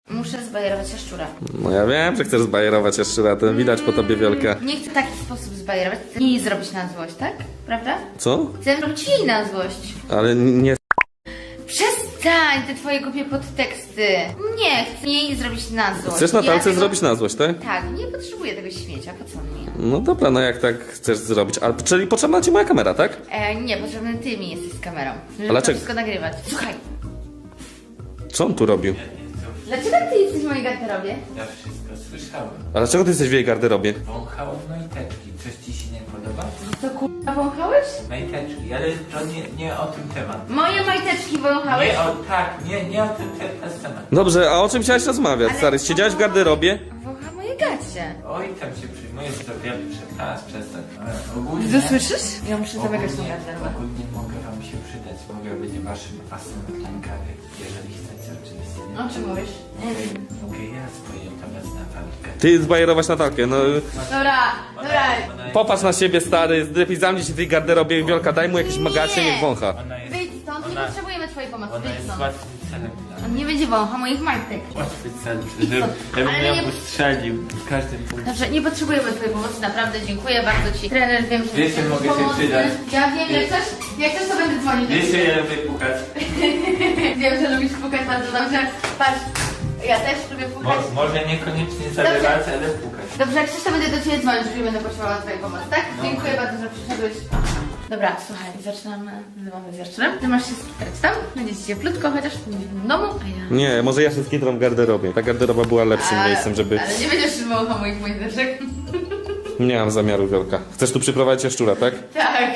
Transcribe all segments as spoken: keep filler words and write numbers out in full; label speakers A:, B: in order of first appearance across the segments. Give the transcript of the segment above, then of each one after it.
A: Muszę zbajerować jaszczura.
B: No ja wiem, że chcesz zbajerować jaszczura, to widać po tobie, Wielka.
A: Nie chcę w taki sposób zbajerować, chcę jej zrobić na złość, tak? Prawda?
B: Co?
A: Chcę zrobić jej na złość.
B: Ale nie...
A: Przestań te twoje głupie podteksty. Nie, chcę jej zrobić na złość.
B: Chcesz Natalce
A: Ja tego-
B: zrobić na złość, tak?
A: Tak, nie potrzebuję tego śmiecia, po co mi?
B: No dobra, no jak tak chcesz zrobić. A, czyli potrzebna ci moja kamera, tak?
A: E, nie, potrzebny ty mi jesteś z kamerą, żeby to
B: dlaczego?
A: wszystko nagrywać. Słuchaj,
B: Co on tu robił?
A: dlaczego ty jesteś w mojej garderobie?
C: Ja wszystko słyszałem.
B: A dlaczego ty jesteś w jej garderobie?
C: Wąchałem majteczki. Coś ci się nie podoba?
A: Co kurwa wąchałeś?
C: Majteczki, ale to nie, nie o tym temat.
A: Moje majteczki wąchałeś?
C: Nie o, tak, nie, nie o tym te, te temat.
B: Dobrze, a o czym chciałeś rozmawiać,
A: Ale-
B: stary? Siedziałeś w garderobie?
A: Wącha moje gacie.
C: Oj, tam się przyjmuje, że to wiele przestałaś przestać. Ale ogólnie...
A: Ty słyszysz? Ja muszę zamykać tą
C: ogólnie,
A: garderobę.
C: ogólnie mogę wam się przydać. Mogę być waszym asem w rękawie, jeżeli chcecie oczywiście. Nie?
A: O czym mówisz?
C: Mogę, mogę ja zbajerować na walkę.
B: Ty zbajerować Natalkę, no...
A: Dobra, dobra.
B: Popatrz na siebie, stary, lepiej zamknij się w tej garderobie, Wiolka, daj mu jakieś magacie, niech wącha.
C: Ona jest,
A: Wyjdź stąd, nie
C: Ona-
A: potrzebujemy twojej pomocy,
C: ona
A: wyjdź
C: jest
A: stąd.
C: łatwym celem dla mnie.
A: On nie będzie wącha moich majtek.
C: Łatwy cel,
A: Idź
C: żeby
A: stąd.
C: ja bym
A: Ale
C: ją
A: nie-
C: ustrzelił w każdym punkcie.
A: Dobrze, nie potrzebujemy twojej pomocy, naprawdę dziękuję bardzo ci. Trener, wiem, że
C: Wiecie,
A: jesteś
C: mogę się
A: pomocny.
C: przydać.
A: Ja wiem, jak coś, jak coś to będę dzwonić.
C: Wiesz, ja lubię pukać.
A: Wiem, że lubisz pukać bardzo dobrze. Patrz, ja też lubię pukać.
C: Mo, może niekoniecznie zabywać, ale pukać.
A: Dobrze, jak coś to będę do ciebie dzwonić, jeżeli będę potrzebowała twojej pomocy, tak? Dziękuję bardzo, że przyszedłeś. Dobra, słuchaj, zaczynamy z wieczorem. Ty masz się skitrać tam, będziecie cieplutko, chociaż w domu, a ja...
B: Nie, może ja się skitram w garderobie. Ta garderoba była lepszym
A: A,
B: miejscem, żeby...
A: Ale nie będziesz trzymał moich majteczek.
B: Nie mam zamiaru, Wiolka. Chcesz tu przyprowadzić jaszczura, tak?
A: Tak.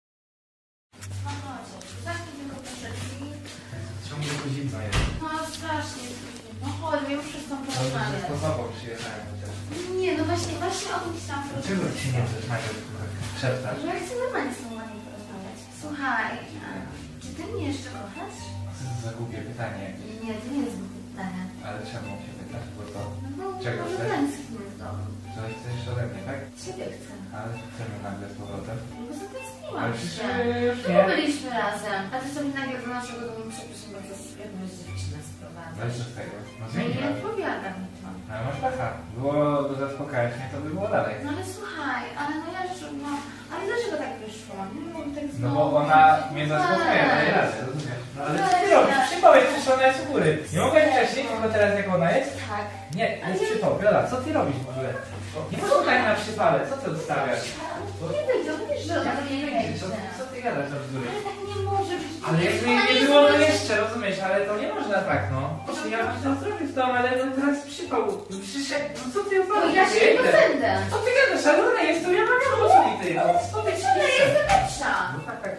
C: Ciągle tu zimno jest.
A: No strasznie. No chodź, już wszystko porozmawiać.
C: Po sobą przyjechałem chociaż.
A: Nie, no właśnie, właśnie o tym chciałam porozmawiać.
C: Dlaczego ci nie rozmawiać? Szeptasz?
A: Że ja chcę normalnie z tobą ładnie porozmawiać. Słuchaj, a czy ty mnie jeszcze kochasz?
C: Co to za głupie pytanie?
A: Nie, to nie jest głupie pytanie.
C: Ale czemu się pytasz? Bo to...
A: No bo
C: Czego
A: może
C: chcesz?
A: tęsknię w domu.
C: To chcesz ode mnie, tak?
A: Ciebie chcę.
C: Ale chcemy nagle z powrotem.
A: No bo zatęskniłam
C: Ale
A: się.
C: przecież już
A: No
C: nie.
A: bo byliśmy razem. A ty sobie nagle do naszego domu przepraszam bardzo z jakąś dziewczynę
C: Ale
A: sprowadzasz.
C: co z tego? No
A: No i
C: zmieni
A: nie odpowiada mi to.
C: Ale masz pecha. Było do zaspokajać mnie, to by było dalej.
A: No ale słuchaj, ale no ja już, no, ale dlaczego tak wyszło? Nie mogłam tak
C: No
A: znowu.
C: bo ona mnie zaspokaja, daje radę, rozumiesz? No ale co ty robisz? Przypał jest, przecież ona jest u góry. Nie mogę wcześniej, tylko teraz jak ona jest?
A: Tak.
C: Nie, to jest przypał. Viola, co ty robisz w ogóle? Nie można tak na przypale, co ty odstawiasz?
A: Nie będzie, on wiesz, że ona
C: Jak
A: do
C: nie
A: mnie
C: wyjdzie?
A: wejdzie.
C: Co, co ty gadasz za bzdury?
A: Ale tak nie może być.
C: Ale jakby
A: Ona
C: nie
A: jest
C: było
A: moja-
C: jeszcze, rozumiesz, ale to nie można tak, no. Ja bym to zrobił w domu, ale no teraz przypał. Przyszedł, no co ty
A: No
C: opowiadasz?
A: ja się nie będę.
C: Co ty gadasz? Ale ona jest tu, ja mam ją ty, no. Co ty
A: Ona
C: chcesz?
A: jest lepsza.
C: No tak, tak.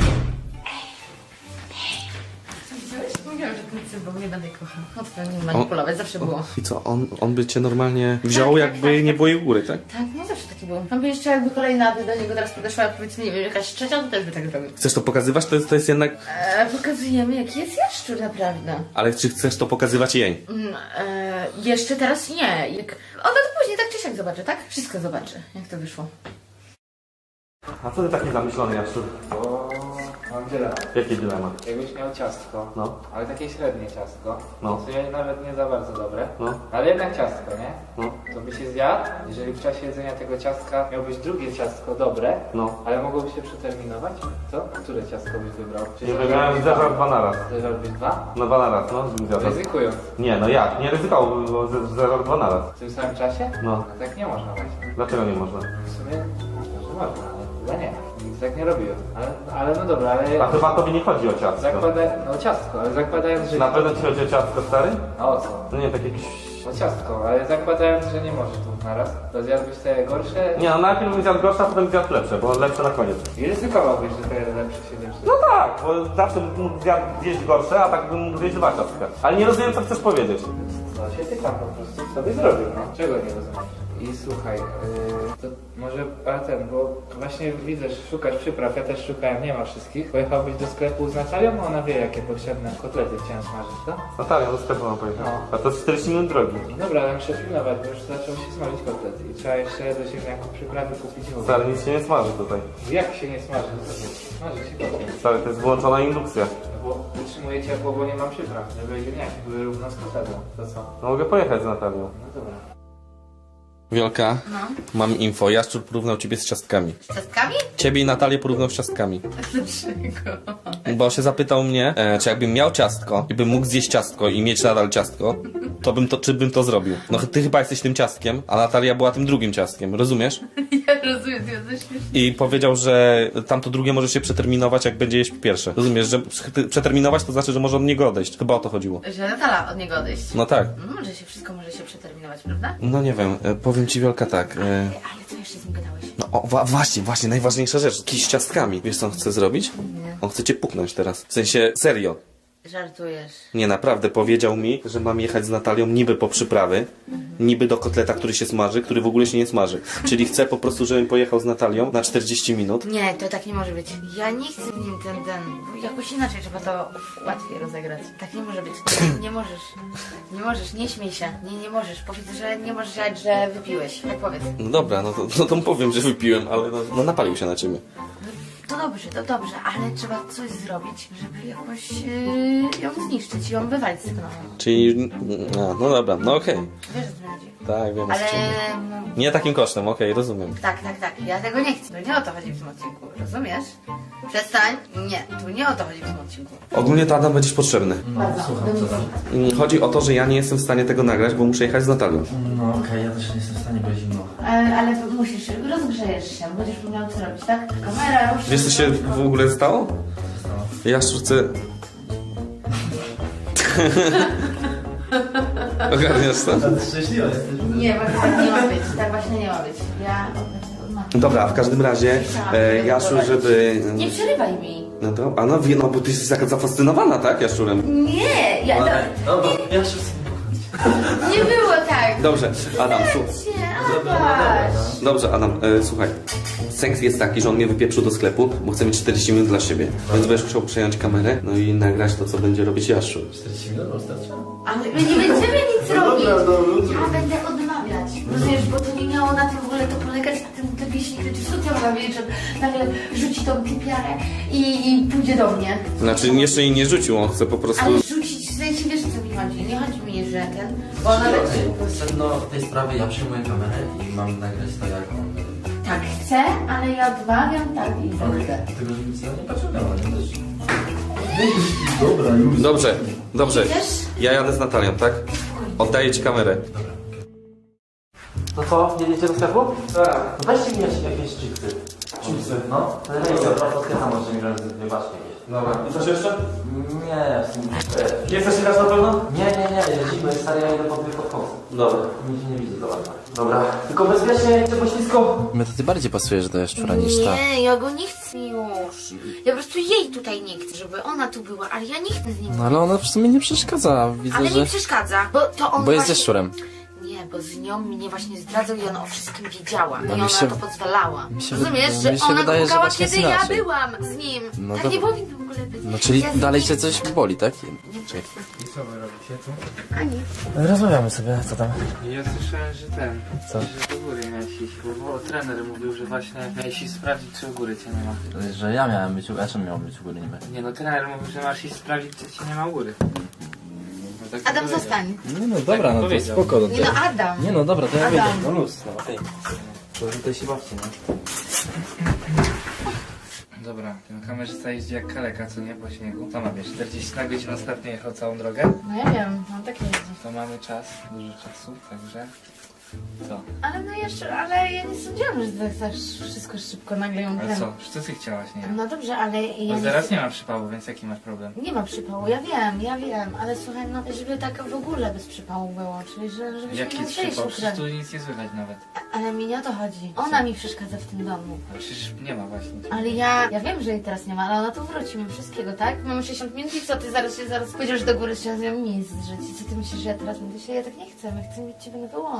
A: Widziałeś? Mówiłam, że ten cymbał nie będę kochał. Łatwo nim manipulować, zawsze było.
B: I co, on, on by cię normalnie wziął,
A: Tak,
B: jakby
A: tak, tak,
B: nie
A: tak.
B: było jej góry, tak?
A: Tak, no zawsze taki był. On by jeszcze jakby kolejna by do niego teraz podeszła, powiedzmy, nie wiem, jakaś trzecia, to też by tak zrobił.
B: Chcesz to pokazywać? To jest, to jest jednak...
A: E, pokazujemy, jaki jest jaszczur naprawdę.
B: Ale czy chcesz to pokazywać jej?
A: Mm, e, jeszcze teraz nie. Jak... Ona to później tak czy siak zobaczy, tak? Wszystko zobaczy, jak to wyszło.
B: A co ty taki zamyślony, jaszczur?
C: Bo mam dylemat.
B: Jaki dylemat?
C: Jakbyś miał ciastko,
B: No.
C: ale takie średnie ciastko,
B: No.
C: w sumie nawet nie za bardzo dobre,
B: No.
C: ale jednak ciastko, nie?
B: No.
C: To by się zjadł, jeżeli w czasie jedzenia tego ciastka miałbyś drugie ciastko dobre,
B: No.
C: ale mogłoby się przeterminować, co? Które ciastko byś wybrał? Czy
B: Nie wybrałem zderzał dwa naraz.
C: Zderzałbyś dwa?
B: No dwa naraz, no. Zderzał.
C: Ryzykując.
B: Nie, no jak? Nie ryzykował, bo zderzał dwa naraz.
C: W tym samym czasie?
B: No.
C: No tak nie można właśnie.
B: Dlaczego nie można?
C: W sumie może można, ale chyba nie. Nic tak nie robiłem. Ale, ale no dobra, ale...
B: A chyba tobie nie chodzi o ciastko.
C: Zakłada... No ciastko, ale zakładając, że...
B: Na pewno ci chodzi o ciastko, stary?
C: A o co?
B: No nie, tak jakieś...
C: No ciastko, ale zakładając, że nie możesz dwóch naraz, to zjadłbyś te gorsze
B: Nie, no najpierw bym zjadł gorsze, a potem zjadł lepsze, bo lepsze na koniec.
C: i ryzykowałbyś, że te lepsze się lepsze.
B: No tak, bo zawsze bym mógł zjadł, zjeść gorsze, a tak bym mógł zjeść dwa ciastka. Ale nie rozumiem, co chcesz powiedzieć.
C: No się tykam po prostu, co byś zrobił, no. Czego nie rozumiesz? I słuchaj, yy, to może, a ten, bo właśnie widzę, że szukasz przypraw, ja też szukałem, nie ma wszystkich. Pojechałbyś do sklepu z Natalią, bo ona wie jakie potrzebne kotlety chciałem smażyć, tak?
B: Natalia, do sklepu mam pojechać.
C: No.
B: A to jest czterdzieści minut drogi.
C: No dobra, ale muszę pilnować, bo już zaczął się smażyć kotlety i trzeba jeszcze do ziemniaków przyprawy kupić. w ogóle.
B: Stary, nic się nie smaży tutaj.
C: Jak się nie smaży? Smaży się kotlet.
B: Stary, to jest wyłączona indukcja.
C: Bo utrzymuję ciepło, bo nie mam przypraw, żeby ziemniaki były równo z kotletem. To co?
B: No mogę pojechać z Natalią.
C: No dobra.
B: Wiolka,
A: No.
B: mam info. Jaszczur porównał ciebie z ciastkami.
A: Z ciastkami?
B: Ciebie i Natalię porównał z ciastkami.
A: Dlaczego?
B: Bo się zapytał mnie, e, czy jakbym miał ciastko i bym mógł zjeść ciastko i mieć nadal ciastko, to bym to, czy bym to zrobił. No ty chyba jesteś tym ciastkiem, a Natalia była tym drugim ciastkiem, rozumiesz?
A: Ja rozumiem, ty jesteś śmieszny.
B: I powiedział, że tamto drugie może się przeterminować, jak będzie jeść pierwsze. Rozumiesz, że przeterminować to znaczy, że może od niego odejść. Chyba o to chodziło.
A: Że Natala od niego odejść.
B: No tak.
A: No może się, wszystko może się przeterminować, prawda?
B: No nie wiem, e, powiem ci Wiolka tak. E,
A: Ale co jeszcze z nim gadałeś?
B: no o, wa- właśnie, właśnie, najważniejsza rzecz. Kij z ciastkami. Wiesz co on chce zrobić?
A: Nie.
B: On chce cię puknąć teraz. W sensie, serio.
A: Żartujesz.
B: Nie, naprawdę, powiedział mi, że mam jechać z Natalią niby po przyprawy, niby do kotleta, który się smaży, który w ogóle się nie smaży. Czyli chce po prostu, żebym pojechał z Natalią na czterdzieści minut.
A: Nie, to tak nie może być. Ja nie chcę z nim ten, ten... Jakoś inaczej trzeba to łatwiej rozegrać. Tak nie może być. Nie, nie możesz. Nie możesz, nie śmiej się. Nie, nie możesz. Powiedz, że nie możesz jechać, że wypiłeś. Tak powiedz.
B: No dobra, no to, no to powiem, że wypiłem, ale no, no napalił się na ciebie.
A: To dobrze, to dobrze, ale trzeba coś zrobić, żeby jakoś yy, ją zniszczyć i ją wywalić z tego domu.
B: Czyli, a, no dobra, no okej.
A: Wiesz, o co chodzi.
B: Tak, wiem o co
A: Ale...
B: ci chodzi.
A: no,
B: Nie takim kosztem, okej, rozumiem.
A: Tak, tak, tak. Ja tego nie chcę. To nie o to chodzi w tym odcinku. Rozumiesz? Przestań. Nie, tu nie o to chodzi w tym odcinku.
B: Ogólnie to Adam będziesz potrzebny.
A: Bardzo.
B: Mm, Chodzi o to, że ja nie jestem w stanie tego nagrać, bo muszę jechać z Natalią.
D: No okej, ja też nie jestem w stanie, bo jest zimno.
A: Ale, ale musisz, rozgrzejesz się, będziesz miał co robić, tak? Kamera, rusz.
B: Wiesz co się w ogóle stało? Jaszczur chce... Ogarniasz to?
D: Szczęśliwa jesteś.
A: Nie, właśnie tak nie ma być. Tak właśnie nie ma być. Ja odmawiam.
B: Dobra, w każdym razie, e, Jaszczur, żeby...
A: Nie przerywaj mi.
B: No to, a no, wie, no bo ty jesteś taka zafascynowana, tak, Jaszczurem?
A: Nie, ja,
D: Dobra,
A: to,
D: dobra, ja się chcę pokochać.
A: nie było tak.
B: Dobrze, Adam, słuchaj.
A: Cię, Adaś.
B: Dobrze, Adam, e, słuchaj. Sens jest taki, że on mnie wypieprzył do sklepu, bo chce mieć czterdzieści minut dla siebie. Więc będziesz musiał przejąć kamerę, no i nagrać to, co będzie robić Jaszczur.
D: czterdzieści minut wystarczy?
A: Ale my nie będziemy nic
D: No
A: robić.
D: dobra, no, no,
A: Ja będę odmawiać. Rozumiesz, bo to nie miało na tym w ogóle to polegać, a ten te wieśnik, co ty ma wiedzieć, że nagle rzuci tą pipiarę i, i pójdzie do mnie.
B: Znaczy, jeszcze jej nie rzucił, on chce po prostu...
A: Ale rzucić, w sensie wiesz, o co mi chodzi. Nie chodzi mi, że ten, bo ona
D: Okej,
A: leci.
D: sedno tej sprawy, ja przyjmuję kamerę i mam nagrać to jak on...
A: Tak, chcę, ale ja odmawiam, tak i
D: Okej,
A: chcę.
D: tylko żeby ci nie pociągnęło, nie też. Dobra, już.
B: Dobrze, dobrze.
A: Idziesz?
B: Ja jadę z Natalią, tak? Oddaję ci kamerę.
D: No co, jedziecie do sklepu? Tak. Weźcie mi jakieś, jakieś chipsy. Chipsy? No. To ja idę, po prostu może mi wybaczcie jakieś.
B: Dobra, i coś jeszcze?
D: Nie, w sumie...
B: Nie chcesz jechać na pewno?
D: Nie, nie, nie, jedziemy, stary, ja idę pod podchodzę.
B: Dobra.
D: Nic nie widzę, dobra. Dobra. Tylko bezpiecznie, nie chcę poślizgu.
E: My to ty bardziej pasujesz do jaszczura niż ta.
A: Nie, ja go nie chcę już. Ja po prostu jej tutaj nie chcę, żeby ona tu była, ale ja nie chcę z nim.
E: No ale ona w sumie nie przeszkadza. Widzę,
A: Ale
E: że...
A: nie przeszkadza, bo to on
E: Bo jest
A: właśnie...
E: jaszczurem.
A: Nie, bo z nią mnie właśnie zdradzał i ona o wszystkim wiedziała.
E: No
A: I
E: mi
A: ona
E: się-
A: to pozwalała.
E: mi się
A: Rozumiesz,
E: wy-
A: że
E: mi się
A: ona
E: wydaje,
A: go
E: że
A: pukała,
E: właśnie
A: kiedy
E: jest
A: ja
E: inaczej.
A: byłam z nim.
E: No
A: tak
E: to-
A: nie powinno w ogóle być.
E: No czyli
A: Ja z
E: dalej
A: nim-
E: cię coś boli, tak? Czekaj.
C: I co wy robicie tu?
A: Ani.
D: Rozmawiamy sobie, co tam?
C: Ja słyszałem, że ten,
D: Co?
C: że do góry miałeś iść, bo, bo trener mówił, że właśnie miałeś iść sprawdzić, czy u góry cię nie ma.
D: Że ja miałem być, a czym miałem być u góry niby?
C: Nie no, trener mówił, że masz iść sprawdzić, czy cię nie ma u góry. No, tak
A: Adam,
C: powiedział.
A: zostań.
E: Nie no dobra, no to
C: powiedział.
E: spoko. No
A: Nie no, Adam.
E: Nie no dobra, to ja
A: Adam.
E: wyjdę. No luz, no okej. To tutaj się bawcie, no.
C: Dobra, ten kamerzysta jeździ jak kaleka, co nie, po śniegu. To ma, wiesz, czterdzieści na godzinę ostatnio jechał całą drogę.
A: No ja wiem, mam takie jeździ.
C: To mamy czas, dużo czasu, także... Co?
A: Ale no jeszcze, ale ja nie sądziłam, że tak tak wszystko szybko nagle ją
C: Ale
A: ten...
C: co? Co ty chciałaś, nie?
A: No dobrze, ale ja
C: Bo
A: nie...
C: zaraz nie ma przypału, więc jaki masz problem?
A: Nie ma przypału, ja wiem, ja wiem, ale słuchaj, no żeby tak w ogóle bez przypału było, czyli że, żebyśmy
C: Jaki
A: nie musieli
C: przypał?
A: się
C: Przecież
A: ukrywać.
C: tu nic nie słychać nawet.
A: Ale mi nie o to chodzi. Ona mi przeszkadza w tym domu.
C: A przecież nie ma właśnie.
A: Ale ja, ja wiem, że jej teraz nie ma, ale ona tu wróci, my wszystkiego, tak? Mamy sześćdziesiąt minut i co, ty zaraz się zaraz pójdziesz do góry, się z nią miejsc żyć. I co ty myślisz, że ja teraz będę się, ja tak nie chcę, my chcemy mieć ciebie na wyłączność.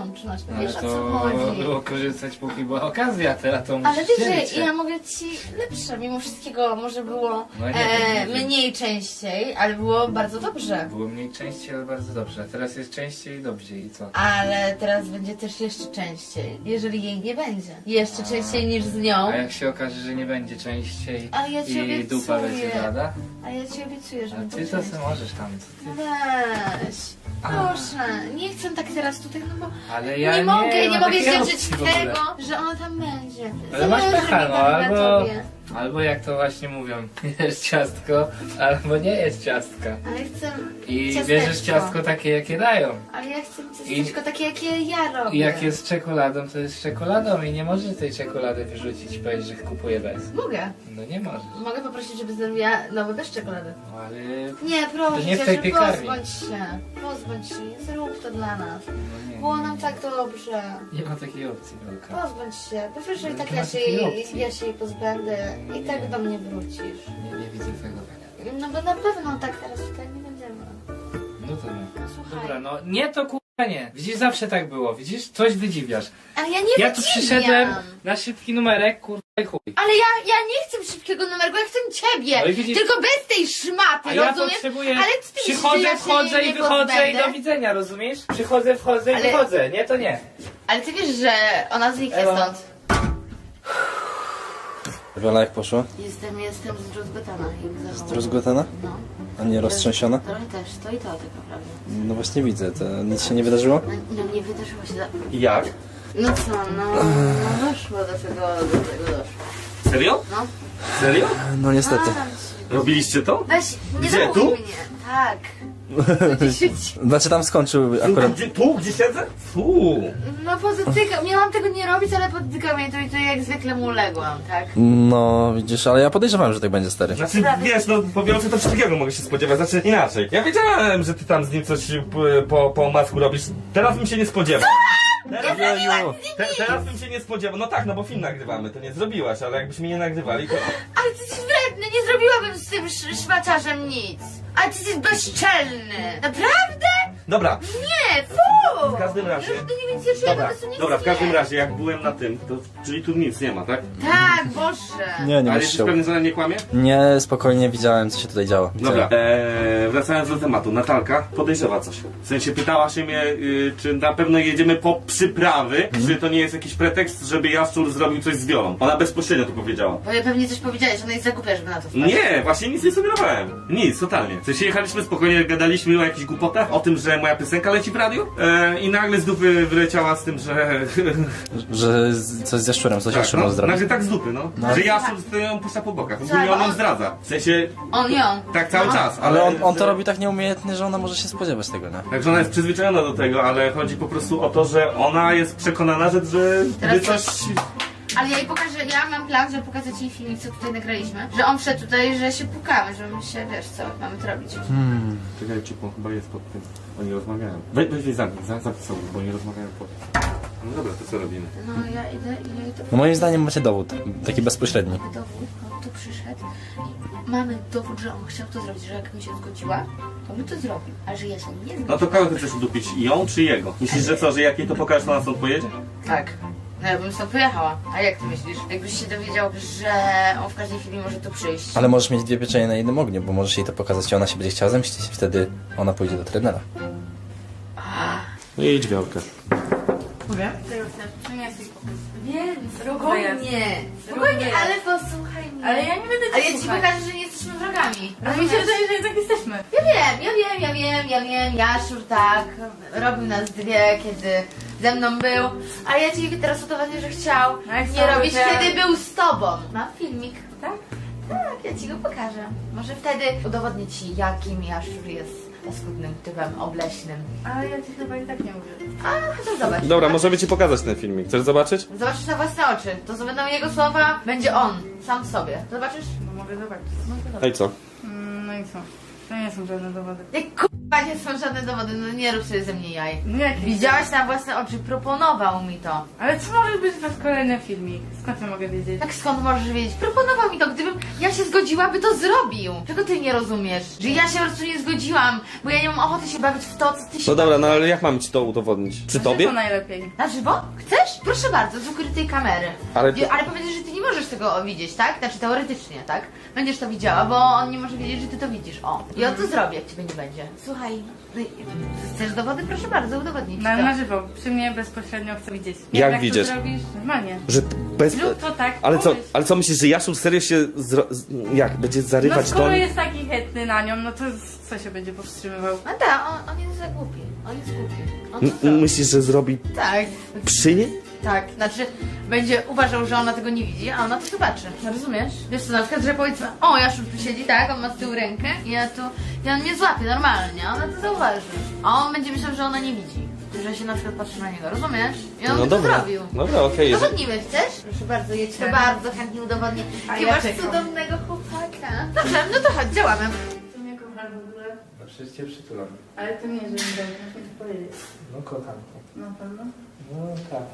A: No,
C: Ale
A: wiesz o co
C: to
A: chodzi.
C: było korzystać póki była okazja, teraz to
A: Ale
C: musisz
A: wiesz,
C: dzielić
A: że
C: się.
A: ja mogę ci lepsze, mimo wszystkiego może było
C: No nie
A: e,
C: wiem, nie wiem.
A: mniej częściej, ale było bardzo dobrze.
C: Było mniej częściej, ale bardzo dobrze. A teraz jest częściej i dobrze i co?
A: Ale teraz będzie też jeszcze częściej, jeżeli jej nie będzie. Jeszcze częściej niż z nią.
C: A jak się okaże, że nie będzie częściej
A: Ale ja ci
C: i
A: obiecuję.
C: dupa będzie blada?
A: A ja ci obiecuję, że
C: A
A: będzie
C: ty to
A: częściej.
C: co możesz tam, co ty?
A: Weź, proszę, nie chcę tak teraz tutaj, no bo
C: Ale ja
A: nie,
C: nie
A: mogę, nie
C: mam
A: mogę
C: takiej
A: zdziałczyć
C: opcji w ogóle.
A: tego, że ona tam będzie.
C: Ale masz
A: Zależy
C: pecha,
A: mi
C: no,
A: tam na
C: albo,
A: tobie.
C: albo jak to właśnie mówią, jest ciastko, albo nie jest ciastka.
A: Ale chcę
C: I
A: ciasteczko.
C: bierzesz ciastko takie, jakie dają.
A: Ale ja chcę ciasteczko takie, jakie ja robię.
C: I jak jest z czekoladą, to jest z czekoladą i nie możesz tej czekolady wyrzucić i powiedzieć, że kupuję bez.
A: Mogę.
C: No nie możesz.
A: Mogę poprosić, żeby zrobiła nowe bez czekolady.
C: No ale...
A: Nie, proszę
C: To nie w
A: cię,
C: tej
A: że
C: piekarni.
A: pozbądź się. Pozbądź się, zrób to dla nas.
C: No nie,
A: Było
C: nie,
A: nam
C: nie.
A: tak dobrze.
C: Nie ma takiej opcji, Wielka.
A: Pozbądź się, bo wiesz, że i
C: Ale
A: tak
C: nie
A: ja
C: ma
A: się,
C: takiej
A: jej,
C: opcji.
A: ja się jej pozbędę i tak do mnie wrócisz.
C: Nie, nie widzę tego tak.
A: No bo na pewno tak teraz tutaj nie będziemy.
C: No to nie.
A: No słuchaj.
C: Dobra, no nie to kurwa nie. Widzisz, zawsze tak było. Widzisz, coś wydziwiasz.
A: Ale ja nie
C: Ja tu
A: wydziwiam.
C: przyszedłem na szybki numerek, kurwa i chuj.
A: Ale ja, ja nie chcę szybkiego numerku, ja chcę ciebie!
C: No i widzisz-
A: Tylko bez tej szmaty,
C: A ja
A: rozumiesz?
C: potrzebuję,
A: Ale ty myślisz,
C: przychodzę,
A: że ja się
C: wchodzę
A: nie
C: i wychodzę i
A: pozbędę?
C: do widzenia, rozumiesz? Przychodzę, wchodzę i
A: Ale-
C: wychodzę, nie to nie.
A: Ale ty wiesz, że ona zniknie
C: Ewa.
A: stąd.
E: Wiola, jak poszło?
A: Jestem, jestem zdruzgotana. jak zachowuję.
E: Rozgotana?
A: No.
E: A nie roztrzęsiona?
A: Trochę też, to i to tak naprawdę.
E: No właśnie widzę, to nic się nie wydarzyło?
A: No, no nie wydarzyło się za...
B: Jak?
A: No co, no, no doszło do tego, do tego doszło.
B: Serio?
A: No.
B: Serio?
E: No niestety.
A: Staram się.
B: Robiliście to?
A: Weź, nie
B: Gdzie,
A: zawołuj
B: tu?
A: mnie. Tak. Gdzieś-
E: Znaczy tam skończył
B: Tu,
E: akurat...
B: gdzie, tu, gdzie siedzę? Fu.
A: No podotykam, miałam tego nie robić, ale podotykam jej to i to jak zwykle mu uległam, tak?
E: No widzisz, ale ja podejrzewałem, że tak będzie, stary.
B: Znaczy, wiesz, no po Wiolce to wszystkiego mogę się spodziewać, znaczy inaczej. Ja wiedziałem, że ty tam z nim coś p- po, po masku robisz. Teraz bym się nie spodziewał. Teraz,
E: Ojeju.
B: te, teraz bym się nie spodziewał. No tak, no bo film nagrywamy, to nie zrobiłaś, ale jakbyśmy nie nagrywali, to...
A: Ale ty jesteś wredny, nie zrobiłabym z tym sz- szmaciarzem nic. Ale ty jesteś bezczelny. Naprawdę?
B: Dobra,
A: Nie, fu!
B: w każdym razie...
A: No, to nie więcej czuję,
B: Dobra,
A: po prostu nic
B: dobra, w każdym
A: nie.
B: razie jak byłem na tym, to czyli tu nic nie ma, tak?
A: Tak, Boże.
E: Nie, nie
B: Ale
E: musisz
B: jesteś
E: się...
B: pewny, że ona nie kłamie?
E: Nie, spokojnie widziałem, co się tutaj działo.
B: Dobra, eee, wracając do tematu, Natalka podejrzewa coś. W sensie pytała się mnie, y, czy na pewno jedziemy po przyprawy, czy to nie jest jakiś pretekst, żeby Jaszczur zrobił coś z Wiolą. Ona bezpośrednio to powiedziała.
A: Bo ja pewnie coś powiedziałeś, ona jest za głupia, żeby na to wpaść.
B: Nie, właśnie nic nie sugerowałem. Nic, totalnie. W sensie jechaliśmy spokojnie, gadaliśmy o jakichś głupotach, o tym, że moja piosenka leci w radiu e, i nagle z dupy wyleciała z tym, że...
E: Że z- coś z jaszczurem, coś
B: tak,
E: jaszczurem
B: no,
E: zrobił.
B: nagle tak z dupy, no.
E: No.
B: Że Jaszczur ją puszcza po bokach. Ogólnie
A: Tak,
B: on ją
A: on-
B: zdradza. W sensie,
A: On ją.
B: tak cały
A: No.
B: czas.
E: Ale on, on to
B: że-
E: robi tak nieumiejętnie, że ona może się spodziewać tego, nie?
B: Także ona jest przyzwyczajona do tego, ale chodzi po prostu o to, że ona jest przekonana, że, że
A: Teraz
B: wy coś...
A: Ale ja jej pokażę, ja mam plan, żeby pokazać jej filmik, co tutaj nagraliśmy. Że on wszedł tutaj, że się pukamy, że my się, wiesz co, mamy to robić.
E: Hmm.
B: Czekaj, Ciupo, chyba jest pod tym. Oni rozmawiają. Weź, weź, weź zamknij, za- zamknij sobie, bo oni rozmawiają pod tym. No dobra, to co robimy?
A: No ja idę i ja jej to
E: No moim zdaniem macie dowód, taki bezpośredni.
A: Mamy dowód, on tu przyszedł i mamy dowód, że on chciał to zrobić, że jak mi się zgodziła, to by to zrobił. Ale że ja się nie zgodziłam.
B: No to kogo ty chcesz udupić? Ją czy jego? Myślisz, że co, że jak jej to pokażesz, to na stąd pojedzie?
A: Tak. No ja bym stąd pojechała. A jak ty myślisz? Jakbyś się dowiedział, że on w każdej chwili może tu przyjść.
E: Ale możesz mieć dwie pieczenie na jednym ogniu, bo możesz jej to pokazać i ona się będzie chciała zemścić. Wtedy ona pójdzie do trenera.
B: No idź, Wiolkę.
A: Mówię? Wiem, spokojnie. Spokojnie, ale posłuchaj mnie.
F: Ale ja nie będę cię
A: Ale ja ci
F: słuchać.
A: pokażę, że nie jesteśmy wrogami.
F: A mi się wydaje, że jednak jesteśmy.
A: Ja wiem, ja wiem, ja wiem, ja wiem, Jaszczur tak, robił nas dwie, kiedy ze mną był, ale ja ci teraz udowodnię, że chciał
F: No jak
A: nie
F: chciał,
A: robić,
F: to-
A: kiedy był z tobą. Mam filmik.
F: Tak?
A: Tak, ja ci go pokażę. Może wtedy udowodnię ci, jakim Jaszczur jest paskudnym typem obleśnym.
F: Ale ja ci chyba i tak nie mówię.
A: A, to zobacz.
B: Dobra, możemy ci pokazać ten filmik. Chcesz zobaczyć?
A: Zobaczysz na własne oczy. To będą jego słowa, będzie on, sam w sobie. Zobaczysz?
F: No mogę zobaczyć.
A: No to dobra.
B: No i co?
F: Mm, no i co? To nie są żadne dowody.
A: Jak k***a nie są żadne dowody, no nie rób sobie ze mnie jaj.
F: No jak
A: Widziałaś na własne oczy, proponował mi to.
F: Ale co może być was kolejny filmik? Skąd ja mogę wiedzieć?
A: Tak skąd możesz wiedzieć? Proponował mi to, gdybym ja się zgodziła, by to zrobił. Czego ty nie rozumiesz? Że ja się po prostu nie zgodziłam, bo ja nie mam ochoty się bawić w to, co ty się
B: No dobra, no ale jak mam ci to udowodnić? Przy
F: To
B: tobie?
F: najlepiej.
A: Na żywo? Chcesz? Proszę bardzo, z ukrytej kamery.
B: Ale
A: Wie-
B: to-
A: ale powiedz, że ty nie możesz tego widzieć, tak? Znaczy teoretycznie, tak? Będziesz to widziała, bo on nie może wiedzieć, że ty to widzisz. O. I on to zrobi, jak ciebie nie będzie. Słuchaj, no i- chcesz dowody? Proszę bardzo, udowodnij ci
F: Na,
A: to.
F: na żywo, przy mnie bezpośrednio chcę widzieć.
B: Jak
F: jak
B: widzieć?
F: to zrobisz? Normalnie.
B: Że bez...
F: Zrób to tak,
B: Ale co,
F: pomyśl.
B: ale co myślisz, że Jaszczur serio się zro... z- jak? Będzie
F: No
B: zarywać do
F: skoro
B: niej?
F: jest taki chętny na nią, no to co się będzie powstrzymywał?
A: A tak, on, on jest za głupi. On jest głupi. On to
B: M-
A: zrobi.
B: Myślisz, że zrobi
A: Tak,
B: przy niej?
A: tak. Znaczy, będzie uważał, że ona tego nie widzi, a ona to zobaczy. Rozumiesz? Wiesz co, na przykład, że powiedzmy, o, Jaszczur tu siedzi, tak, on ma z tyłu rękę i ja tu, i on mnie złapie normalnie, a ona to zauważy. A on będzie myślał, że ona nie widzi. Że się na przykład patrzy na niego, rozumiesz? I on
B: No
A: by to
B: dobra,
A: zrobił.
B: dobra, okej. jeżeli-
A: Udowodnimy, chcesz? Proszę bardzo, ja ci to bardzo chętnie udowodnię.
F: A
A: Ty
F: ja
A: masz
F: czekam.
A: cudownego chłopaka. Dobrze, no to chodź, działamy.
F: Ty mnie kochasz w ogóle?
C: No przecież cię przytulam.
F: Ale to nie, że mi dobrze, muszę ci powiedzieć.
C: No kocham cię.
F: Na pewno?
C: No tak.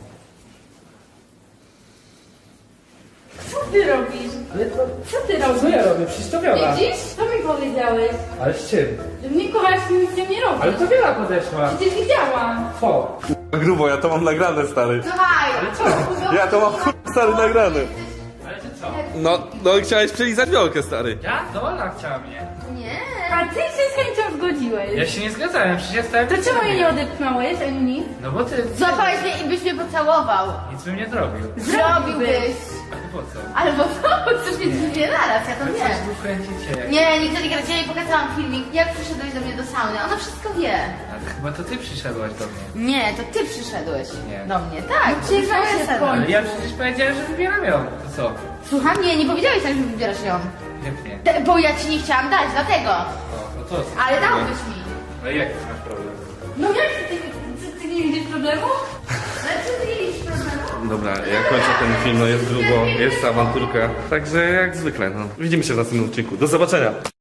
F: Co ty robisz?
C: Ale to...
F: Co ty robisz?
C: Co ja robię? Przecież to Wiola.
F: Widzisz? Co mi powiedziałeś?
C: Ale z czym?
F: Że mnie kochasz i nic nie robisz.
C: Ale to Wiola podeszła.
F: Przecież widziałam.
C: Co?
B: Grubo, ja to mam nagrane, stary.
A: Słuchaj!
B: Ja to mam ch- stary nagrane.
C: Ale ty co?
B: No, no chciałeś przelizać wiolkę, stary.
C: Ja? To ona chciała mnie.
A: Nie.
F: A ty się z chęcią zgodziłeś.
C: Ja się nie zgadzałem, przecież ja stałem...
F: To
C: przy
F: czemu
C: tobie.
F: jej nie odepchnąłeś, ani nic?
C: No bo ty...
A: Złapałeś mnie i byś mnie pocałował.
C: Nic bym nie zrobił.
A: Zrobiłbyś.
C: A ty po co?
A: Ale bo co? Chcesz mieć dwie naraz, ja to
C: Ale
A: nie.
C: coś tu kręcicie.
A: Nie, nigdy nie grać. Ja jej pokazałam filmik, jak przyszedłeś do mnie do sauny. Ona wszystko wie.
C: Ale chyba to ty przyszedłaś do mnie.
A: Nie, to ty przyszedłeś
C: Nie.
A: do mnie, tak.
F: No przecież
A: to
F: ona
A: jest
F: się
A: sen.
C: Ale ja przecież powiedziałem, że wybieram ją. To co?
A: Słucham, nie, nie powiedziałeś tak, że wybierasz ją.
C: Jak nie?
A: Te- Bo ja ci nie chciałam dać, dlatego.
C: O, no to co?
A: Ale dałbyś mi.
C: No i jaki masz problem?
F: No jak ty, ty, ty nie widzisz problemu?
A: Ale czy ty nie widzisz problemu?
B: Dobra, ja kończę ten film, no jest grubo, jest awanturka. Także jak zwykle, no. Widzimy się w następnym odcinku. Do zobaczenia.